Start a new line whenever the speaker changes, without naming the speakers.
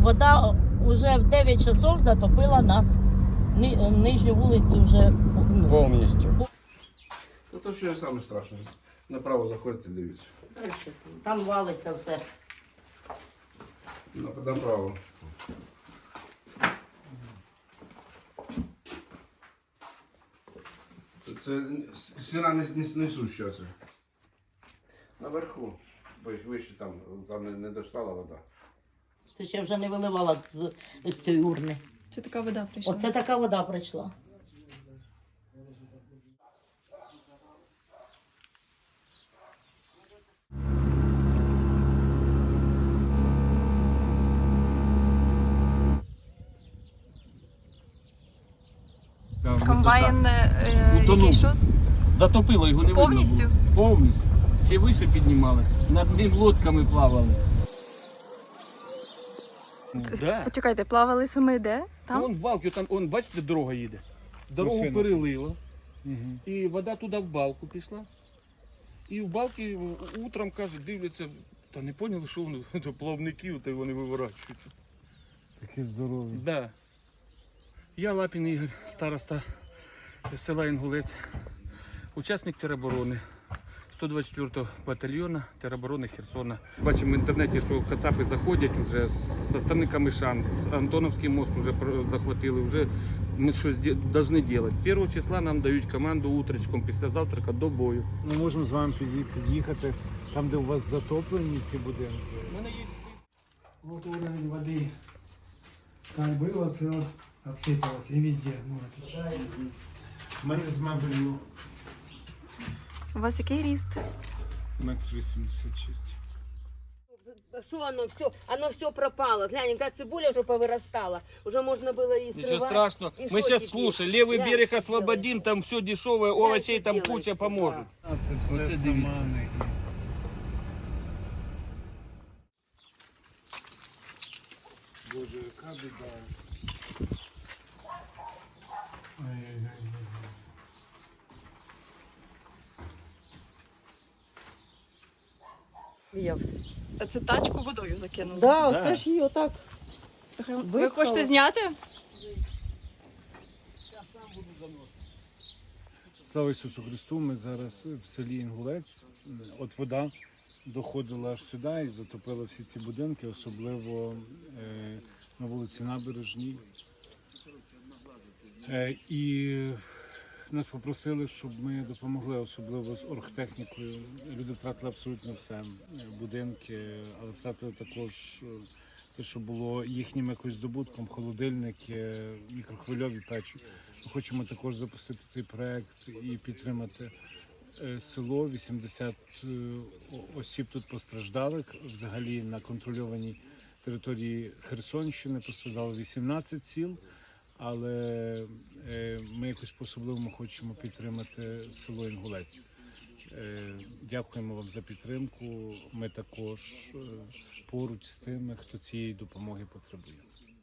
вода вже в 9 часов затопила нас. Нижню вулицю вже
Повністю.
Це ще саме страшне. Направо заходите, дивіться.
Там валиться все.
Направо. Це стіна несуща. Це. Наверху. Вище там не достала вода.
Це ще вже не виливала з тієї урни.
Це така вода прийшла.
Оце така вода прийшла.
Комбайн який що?
Затопило, його не видно
Повністю?
було. Повністю. Ще вище піднімали, над ним лодками плавали. Да.
Почекайте, плавали суми де? Там?
Вон балки, там, вон, бачите, дорога їде. Дорогу
Машина.
перелило,
Угу.
і вода туди в балку пішла. І в балки утром, кажуть, дивляться, та не поняли, що вони, то плавники, та й вони виворачуються.
Такі здорові.
Да. Я Лапін Ігор, староста з села Інгулець, учасник тероборони 124-го батальйону тероборони Херсона. Бачимо в інтернеті, що кацапи заходять вже зі сторони Камишан, з Антоновський мост вже захватили, вже ми щось повинні робити. 1 числа нам дають команду утречком після завтрака до бою.
Ми можемо з вами під'їхати там, де у вас затоплені ці будинки.
У мене є
Вот уровень воды как было, все обсыпалось и везде. Может.
У мене з мебелью
У вас який ріст?
1,86 м.
Что оно все пропало. Глянь, яка цибуля уже повырастала. Уже можно было и срывать.
Ничего страшного.
И
Мы
что
сейчас,
теперь?
слушай, левый
Глянь,
берег
что
освободим,
делается.
там все дешевое, овощей
что
там
делается,
куча
да.
поможет.
А це все
Оце дивіться.
самани. Боже, яка біда. Ай-яй-яй.
Сміявся.
А це тачку водою закинули?
Да, оце ж її отак.
Ви
Випхали.
хочете зняти?
Слава Ісусу Христу, ми зараз в селі Інгулець. От вода доходила аж сюди і затопила всі ці будинки, особливо на вулиці Набережній. І нас попросили, щоб ми допомогли, особливо з оргтехнікою. Люди втратили абсолютно все. Будинки, але втратили також те, що було їхнім якось здобутком, холодильники, мікрохвильові печі. Ми хочемо також запустити цей проект і підтримати село. 80 осіб тут постраждалих. Взагалі на контрольованій території Херсонщини постраждало 18 сіл. Але ми якось по-особливому хочемо підтримати село Інгулець. Дякуємо вам за підтримку. Ми також поруч з тими, хто цієї допомоги потребує.